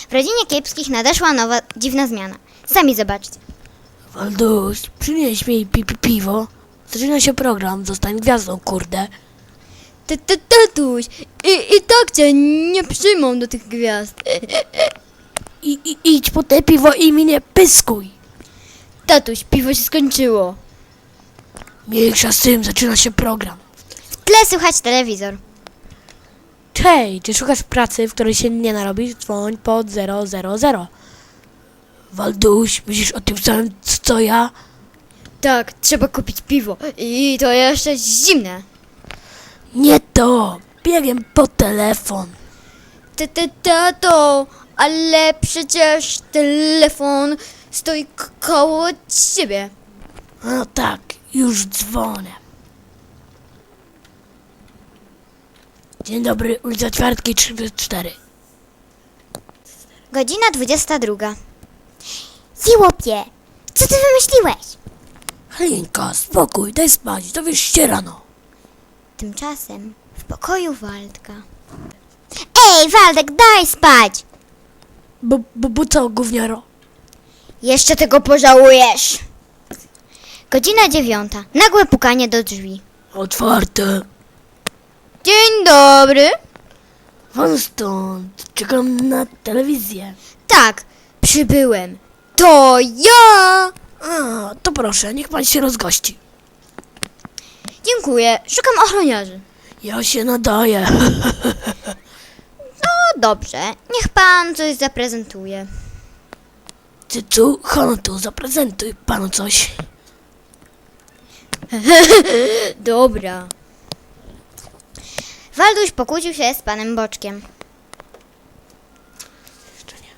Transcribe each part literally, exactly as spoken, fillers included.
W rodzinie Kiepskich nadeszła nowa, dziwna zmiana. Sami zobaczcie. Walduś, przynieś mi pi, pi piwo. Zaczyna się program, zostań gwiazdą, kurde. Tatuś, i, i tak cię nie przyjmą do tych gwiazd. I, i idź po te piwo i mi nie pyskuj. Tatuś, piwo się skończyło. Mniejsza z tym, zaczyna się program. W tle słychać telewizor. Hej, czy szukasz pracy, w której się nie narobisz? Dzwoń pod zero zero zero. Walduś, myślisz o tym samym, co ja? Tak, trzeba kupić piwo. I to jeszcze zimne. Nie to, biegiem po telefon. Ty, ty, tato, ale przecież telefon stoi k- koło ciebie. No tak, już dzwonię. Dzień dobry, ulica Ćwiartki trzysta cztery. Godzina dwudziesta druga. Siłopie, co ty wymyśliłeś? Halinka, spokój, daj spać, dowiesz się rano. Tymczasem w pokoju Waldka. Ej, Waldek, daj spać! Bo, bo, bo co, gówniaro? Jeszcze tego pożałujesz. Godzina dziewiąta. Nagłe pukanie do drzwi. Otwarte. Dzień dobry. Won stąd, czekam na telewizję. Tak, przybyłem. To ja! A, to proszę, niech pan się rozgości. Dziękuję, szukam ochroniarzy. Ja się nadaję. No dobrze, niech pan coś zaprezentuje. Cycu, chodź tu, zaprezentuj panu coś. Dobra. Walduś pokłócił się z panem Boczkiem. Jeszcze nie.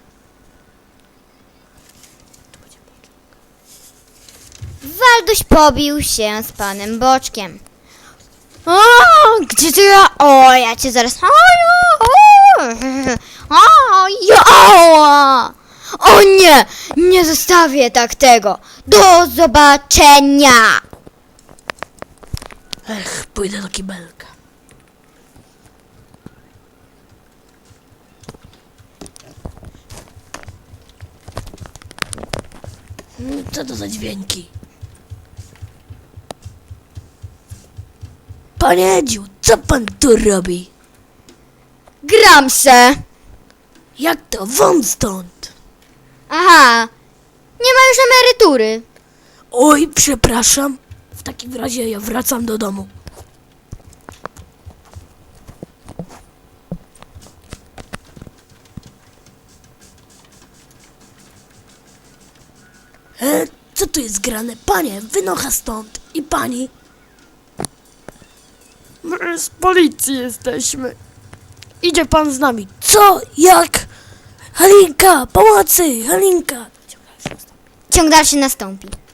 Walduś pobił się z panem Boczkiem. O, gdzie ty ja? O, ja cię zaraz... O, o, ja. O nie, nie zostawię tak tego. Do zobaczenia. Ech, pójdę do kibelka. Mm, Co to za dźwięki? Panie Edziu, co pan tu robi? Gram se. Jak to? Won stąd! Aha, nie ma już emerytury. Oj, przepraszam. W takim razie ja wracam do domu. E, co tu jest grane? Panie, wynocha stąd. I pani? My z policji jesteśmy. Idzie pan z nami. Co? Jak? Halinka, pomocy! Halinka! Ciąg dalszy nastąpi.